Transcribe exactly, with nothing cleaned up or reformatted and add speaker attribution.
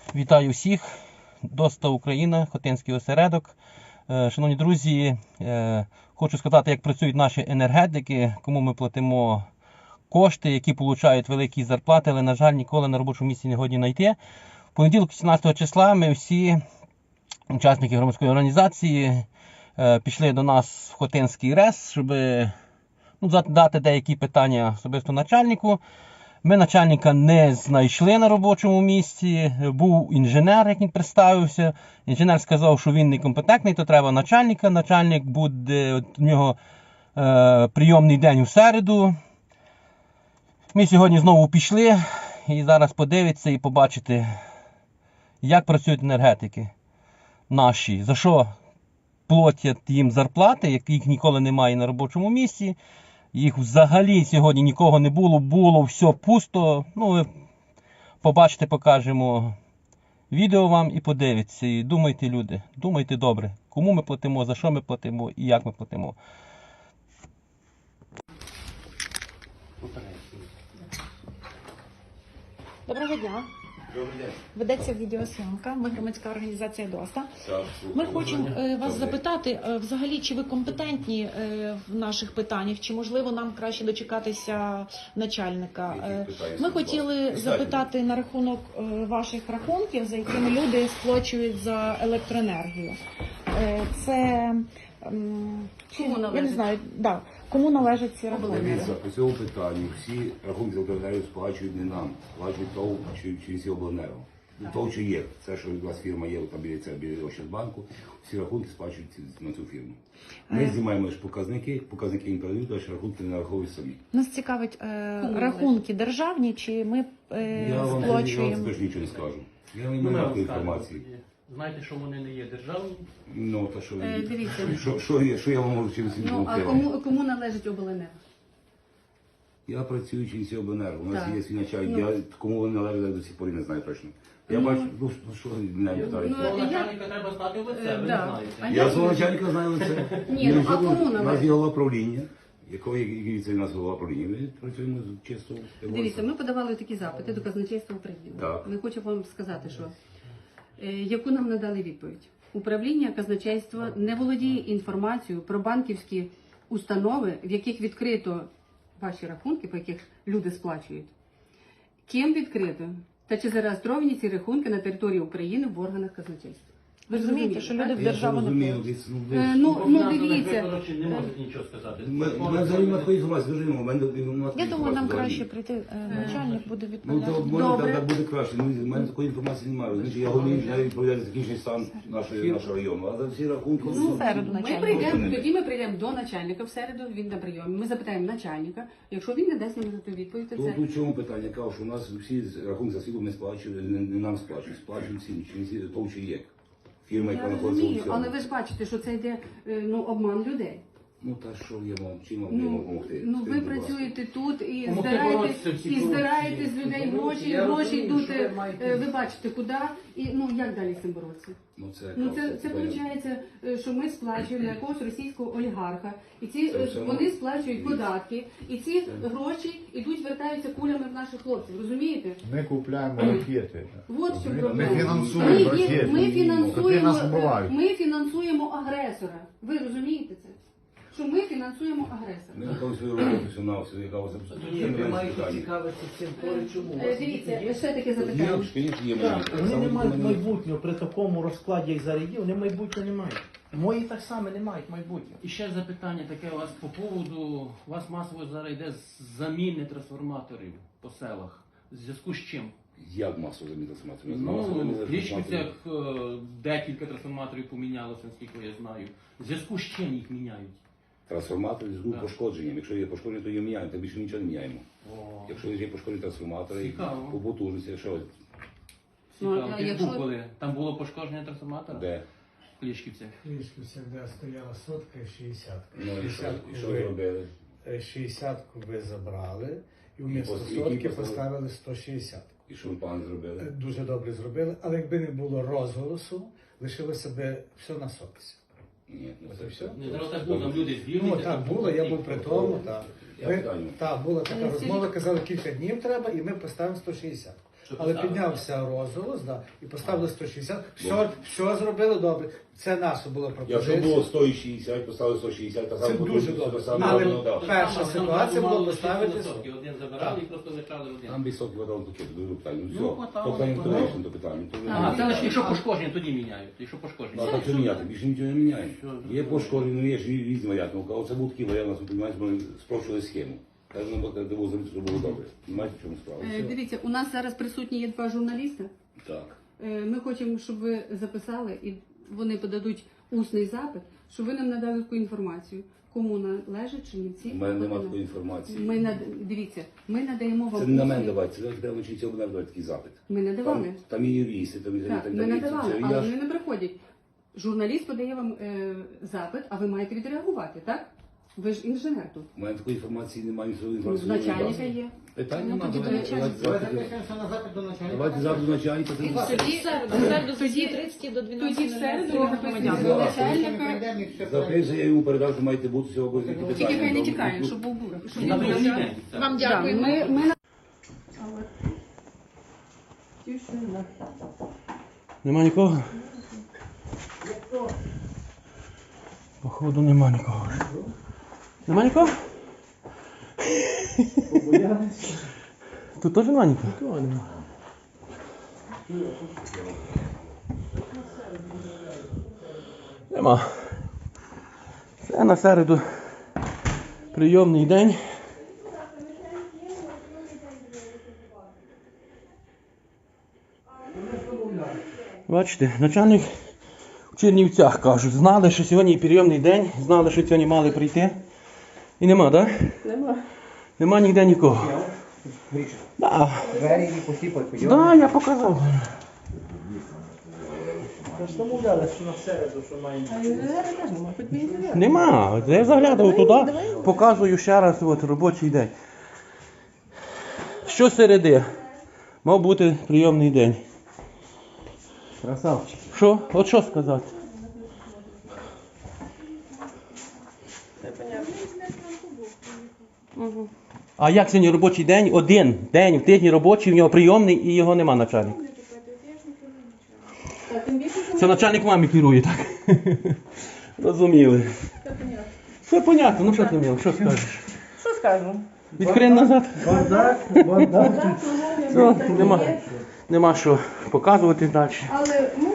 Speaker 1: Вітаю всіх, Доста Україна, Хотинський осередок. Шановні друзі, хочу сказати, як працюють наші енергетики, кому ми платимо кошти, які отримують великі зарплати, але, на жаль, ніколи на робочому місці не годі знайти. В понеділок, сімнадцятого числа, ми всі, учасники громадської організації, пішли до нас в Хотинський РЕС, щоб ну, задати деякі питання особисто начальнику. Ми начальника не знайшли на робочому місці, був інженер, як він представився. Інженер сказав, що він некомпетентний, то треба начальника. Начальник буде, от, у нього е, прийомний день у середу. Ми сьогодні знову пішли і зараз подивитися і побачити, як працюють енергетики наші, за що платять їм зарплати, яких ніколи немає на робочому місці. Їх взагалі сьогодні нікого не було, було все пусто. Ну, ви побачите, покажемо відео вам і подивіться. І думайте, люди, думайте добре, кому ми платимо, за що ми платимо і як ми платимо.
Speaker 2: Доброго дня. Ведеться відеосйомка. Ми громадська організація Доста. Ми хочемо вас запитати, взагалі, чи ви компетентні в наших питаннях, чи можливо нам краще дочекатися начальника. Ми хотіли запитати на рахунок ваших рахунків, за якими люди сплачують за електроенергію. Це
Speaker 3: Кому належить?
Speaker 2: Я не знаю, да. Кому належать ці рахунки?
Speaker 3: Дивіться, по цьому питанню всі рахунки за електроенергію сплачують не нам, сплачують ТОВ чи через обленерго. ТОВ чи є, це що у вас фірма є, там біля це біля Ощадбанку, всі рахунки сплачують на цю фірму. Ми знімаємо лише показники, показники їм передають, а рахунки не нараховують самі.
Speaker 2: Нас цікавить е, рахунки державні, чи ми е,
Speaker 3: Я вам
Speaker 2: сплачуємо?
Speaker 3: теж нічого не скажу. Я не маю такої інформації.
Speaker 4: Знаєте, що вони не є державні?
Speaker 3: Ну, та що,
Speaker 5: Е, дивіться.
Speaker 3: що, що, я- що я вам можу чимось
Speaker 5: Ну, а
Speaker 3: допомогти?
Speaker 5: кому, кому належить обленерго?
Speaker 3: Я працюю через обленерго, у нас
Speaker 5: Так.
Speaker 3: є свій начальник,
Speaker 5: Ну.
Speaker 3: я кому вони належать, я до сих пор не знаю точно. Я
Speaker 5: Ну.
Speaker 3: бачу, ну що- що мене питають.
Speaker 5: Ну,
Speaker 4: Того
Speaker 5: я-
Speaker 4: начальника треба знати в лице,
Speaker 5: Е,
Speaker 4: ви
Speaker 5: да.
Speaker 4: не
Speaker 5: А
Speaker 4: знаєте.
Speaker 3: Я
Speaker 5: як
Speaker 3: свого
Speaker 5: ви-
Speaker 3: начальника знаю лице.
Speaker 5: Ні, ну, а кому
Speaker 3: У нас
Speaker 5: належить?
Speaker 3: є голова правління, який, який це у нас голова правління. Ми працюємо чисто.
Speaker 5: Дивіться, ми подавали такі запити до казначейства України.
Speaker 3: Так.
Speaker 5: Ми хочемо вам сказати, що е, яку нам надали відповідь. Управління казначейства не володіє інформацією про банківські установи, в яких відкрито ваші рахунки, по яких люди сплачують. Ким відкрито? Та чи зареєстровані ці рахунки на території України в органах казначейства?
Speaker 2: Ви розумієте, що люди в
Speaker 3: Я
Speaker 2: державу не
Speaker 3: зрозумів,
Speaker 2: платять?
Speaker 3: десь, ну, десь.
Speaker 5: Е, Ну, ну
Speaker 4: Богдан
Speaker 5: дивіться.
Speaker 4: Федорович не можуть нічого сказати.
Speaker 3: Ми ми взагалі на такої інформації скажімо, у мене немає такої
Speaker 2: Я думаю,
Speaker 3: інформації
Speaker 2: нам
Speaker 3: взагалі.
Speaker 2: краще прийти, е, начальник буде
Speaker 3: Ну,
Speaker 2: відповідати.
Speaker 3: то може
Speaker 5: Добре.
Speaker 3: так, так буде краще. Ну, у мене такої інформації немає. Значить, я головний інженер відповідаю за технічний стан нашої, нашого району. А за всі рахунки...
Speaker 2: Ну,
Speaker 3: ну,
Speaker 2: середу
Speaker 5: Ми
Speaker 2: начальник.
Speaker 5: прийдемо, тоді ми прийдемо до начальника в середу, він на прийомі. Ми запитаємо начальника. Якщо він не дасть нам ту відповідь, то
Speaker 3: Тут
Speaker 5: це...
Speaker 3: у чому питання? Я кажу, що у нас всі рахунки за світло не сплачують, не, не нам сплачують, сплачують всі, чи всі то чи є. Фірма, яка
Speaker 5: Я
Speaker 3: знаходиться у
Speaker 5: розумію,
Speaker 3: цьому.
Speaker 5: але ви ж бачите, що це йде е, ну, обман людей.
Speaker 3: Ну та що я вам, чим вам
Speaker 5: Ну,
Speaker 3: допомогти?
Speaker 5: ну ви
Speaker 3: Скажіть, будь ласка.
Speaker 5: працюєте тут і
Speaker 4: Помогти
Speaker 5: здираєте,
Speaker 4: боротися в цій
Speaker 5: і здираєте з
Speaker 4: корупції.
Speaker 5: людей
Speaker 4: Ну,
Speaker 5: гроші,
Speaker 4: я
Speaker 5: гроші
Speaker 4: розумію,
Speaker 5: йдуть,
Speaker 4: що ви маєте-
Speaker 5: е, ви бачите, куди, і ну як далі з цим боротися?
Speaker 3: Ну це,
Speaker 5: Ну це,
Speaker 3: кажу,
Speaker 5: це виходить, е, що ми сплачуємо на якогось російського олігарха, і ці
Speaker 3: Це
Speaker 5: е,
Speaker 3: все
Speaker 5: вони
Speaker 3: одно.
Speaker 5: сплачують податки, і ці гроші йдуть, вертаються кулями в наших хлопців, розумієте?
Speaker 6: Ми купляємо ракети.
Speaker 5: Вот в чому
Speaker 6: Ми
Speaker 5: проблема.
Speaker 6: фінансуємо
Speaker 5: Ми, є-
Speaker 6: ракети,
Speaker 5: ми
Speaker 6: які
Speaker 5: фінансуємо,
Speaker 6: нас вбивають.
Speaker 5: ми фінансуємо агресора. Ви розумієте це? Що ми фінансуємо агресора.
Speaker 3: Ми виконуємо свою роботу, все на все, яка вас
Speaker 4: Ні, ви маєте цікавитися цим поле, чому? У
Speaker 5: Е,
Speaker 4: вас
Speaker 5: Дивіться,
Speaker 4: є-
Speaker 5: ще таке
Speaker 3: Є,
Speaker 5: запитання.
Speaker 3: звісно, є
Speaker 7: Так,
Speaker 3: моменти.
Speaker 7: вони
Speaker 3: Саме
Speaker 7: не мають
Speaker 3: вони-
Speaker 7: майбутнього при такому розкладі, як зараз є, вони майбутнього не мають. Мої так само не мають майбутнього.
Speaker 4: І ще запитання таке у вас по поводу, у вас масово зараз йде заміни трансформаторів по селах. В зв'язку з чим?
Speaker 3: Як масово заміна трансформаторів?
Speaker 4: Ну, в Клічківцях е, декілька трансформаторів помінялося, наскільки я знаю. В зв'язку з чим їх міняють?
Speaker 3: Трансформатори з груп
Speaker 4: Так.
Speaker 3: пошкодженням. Якщо є пошкодження, то її міняємо, то більше нічого не міняємо.
Speaker 4: О,
Speaker 3: Якщо є пошкоджені трансформатори,
Speaker 4: Цікаво.
Speaker 3: по потужності, що
Speaker 5: Ну,
Speaker 4: цікаво.
Speaker 5: а
Speaker 4: Ти ж
Speaker 5: якщо-
Speaker 4: був коли? Там було пошкодження трансформатора?
Speaker 3: де?
Speaker 4: В Клічківцях.
Speaker 8: Кличка всегда стояла сотка і шістдесятка.
Speaker 3: Ну і що,
Speaker 8: Шістдесятку
Speaker 3: і що
Speaker 8: ви-
Speaker 3: ви робили?
Speaker 8: е, шістдесятку ви забрали і вмісто
Speaker 3: пос- які
Speaker 8: сотки
Speaker 3: поставили?
Speaker 8: поставили сто шістдесят.
Speaker 3: І що ви пан
Speaker 8: Е,
Speaker 3: зробили?
Speaker 8: Дуже добре зробили, але якби не було розголосу, лишилося б все на сотці.
Speaker 3: Ні, ну
Speaker 8: От
Speaker 3: це
Speaker 8: і
Speaker 3: все.
Speaker 8: все.
Speaker 4: Не зараз так було, там люди звільнені.
Speaker 8: Ну так було, я був при тому. Так,
Speaker 3: Я
Speaker 8: Ви-
Speaker 3: питаю.
Speaker 8: так була така
Speaker 5: Е,
Speaker 8: розмова,
Speaker 5: скажіть-
Speaker 8: казали, кілька днів треба, і ми поставимо сто шістдесят.
Speaker 4: Що
Speaker 8: але
Speaker 4: поставили?
Speaker 8: піднявся розголос, да, і поставили сто шістдесят. Все, все зробили добре. Це наша була
Speaker 3: Якщо
Speaker 8: пропозиція.
Speaker 3: було сто шістдесят, поставили сто шістдесят, та
Speaker 8: Це
Speaker 3: саме
Speaker 8: дуже
Speaker 3: потім,
Speaker 8: добре.
Speaker 3: це саме
Speaker 8: Але
Speaker 3: законодавство.
Speaker 8: перша
Speaker 4: Там- там
Speaker 8: ситуація
Speaker 4: мало
Speaker 8: була
Speaker 4: лишити
Speaker 8: поставити.
Speaker 4: висотки. Один забирали і просто лишали один.
Speaker 3: Там високі вода таке, до питання. Ну,
Speaker 4: Ну,
Speaker 3: все.
Speaker 4: хватало,
Speaker 3: Тобто не
Speaker 4: хватало.
Speaker 3: вирішено до питання. То не-
Speaker 4: А, це лише якщо пошкодження, тоді міняють. Якщо
Speaker 3: Ну,
Speaker 4: пошкодження.
Speaker 3: а так що міняти, більше нічого не міняє.
Speaker 4: Що?
Speaker 3: Є пошкоджені, є ж різні варіанти. Ну, оце був такий варіант, у нас, розумієте, ми спрощили схему. Так нам було зробити, щоб було добре. Знаєте, в чому справа?
Speaker 5: Е,
Speaker 3: Все.
Speaker 5: Дивіться, у нас зараз присутні є два журналісти.
Speaker 3: Так.
Speaker 5: Е, Ми хочемо, щоб ви записали і вони подадуть усний запит, щоб ви нам надали таку інформацію, кому належить Чернівці.
Speaker 3: У мене немає такої інформації.
Speaker 5: Ми над... Дивіться, ми надаємо вам
Speaker 3: Це не на мене
Speaker 5: усний-
Speaker 3: давати, це треба вчитися обнародувати такий запит.
Speaker 5: Ми надавали.
Speaker 3: Там, там є юристи, там і
Speaker 5: Так,
Speaker 3: так
Speaker 5: ми
Speaker 3: далі.
Speaker 5: надавали,
Speaker 3: Це
Speaker 5: але
Speaker 3: я ж-
Speaker 5: вони не приходять. Журналіст подає вам е, запит, а ви маєте відреагувати, так? Ви ж інженер тут.
Speaker 3: У мене такої інформації немає, ніякої
Speaker 5: У
Speaker 3: інформації.
Speaker 5: начальника є.
Speaker 3: Питань
Speaker 5: Ну,
Speaker 3: немає.
Speaker 5: тоді до
Speaker 3: Давайте
Speaker 5: начальника.
Speaker 3: давайте запит.
Speaker 7: Записуємося на запит до начальника.
Speaker 3: Давайте запит до начальника. це буде.
Speaker 2: Тоді в середу, в середу з
Speaker 5: Тоді-
Speaker 2: тридцять до
Speaker 5: Тоді
Speaker 2: дванадцяти.
Speaker 5: в середу
Speaker 2: нуль нуль.
Speaker 5: ви записуєте
Speaker 3: Да.
Speaker 5: до начальника.
Speaker 3: Запишу, я йому передав, що маєте бути сьогодні які питання.
Speaker 5: Тільки хай не
Speaker 3: Там,
Speaker 5: тікає,
Speaker 3: ну,
Speaker 5: щоб був щоб
Speaker 4: На
Speaker 5: він
Speaker 4: другий
Speaker 5: був.
Speaker 4: день.
Speaker 2: Вам
Speaker 5: Да,
Speaker 2: дякую.
Speaker 5: Ми, ми... Тишина.
Speaker 1: Нема нікого? Походу нема нікого. Нема нікого? Тут теж нема нікого? Нема. Це на середу прийомний день. Бачите, начальник в Чернівцях кажуть, знали, що сьогодні прийомний день, знали, що сьогодні мали прийти. І нема, так? Да?
Speaker 5: Нема.
Speaker 1: Нема ніде нікого. Да.
Speaker 7: Двері і посіпать.
Speaker 1: Да, я показав.
Speaker 8: Ми ж домовлялися, що на середу, що маємо.
Speaker 1: Нема. Я заглядав туди, показую ще раз от, робочий день. Що середи? Мав бути прийомний день.
Speaker 7: Красавчик.
Speaker 1: Що? От що сказати? А як сьогодні робочий день? Один день в тижні робочий, в нього прийомний і його нема начальник. Це начальник мамі керує, так? Розуміли. Все понятно, ну що ти міл, що скажеш?
Speaker 5: Що скажу?
Speaker 1: Відхрен назад.
Speaker 8: Бардак, бардак.
Speaker 1: Все, нема, нема що показувати далі.
Speaker 5: Але ми